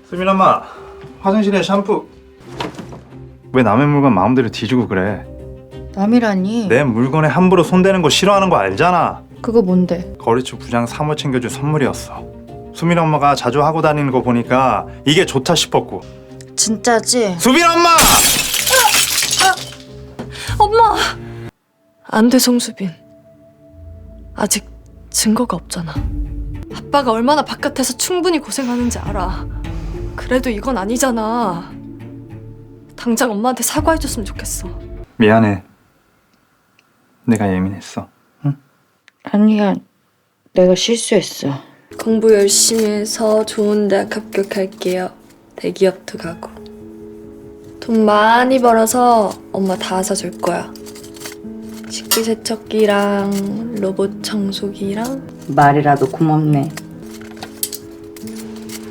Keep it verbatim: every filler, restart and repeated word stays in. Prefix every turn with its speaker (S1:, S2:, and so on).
S1: 수민 엄마, 화장실에 샴푸. 왜 남의 물건 마음대로 뒤지고 그래?
S2: 남이라니?
S1: 내 물건에 함부로 손대는 거 싫어하는 거 알잖아.
S2: 그거 뭔데?
S1: 거래처 부장 사모 챙겨준 선물이었어. 수민 엄마가 자주 하고 다니는 거 보니까 이게 좋다 싶었고.
S2: 진짜지?
S1: 수민 엄마!
S3: 엄마! 안 돼, 송수빈. 아직 증거가 없잖아. 아빠가 얼마나 바깥에서 충분히 고생하는지 알아. 그래도 이건 아니잖아. 당장 엄마한테 사과해줬으면 좋겠어.
S1: 미안해. 내가 예민했어. 응?
S2: 아니야, 내가 실수했어.
S3: 공부 열심히 해서 좋은 대학 합격할게요. 대기업도 가고. 돈 많이 벌어서 엄마 다 사줄 거야. 식기세척기랑 로봇 청소기랑
S2: 말이라도 고맙네.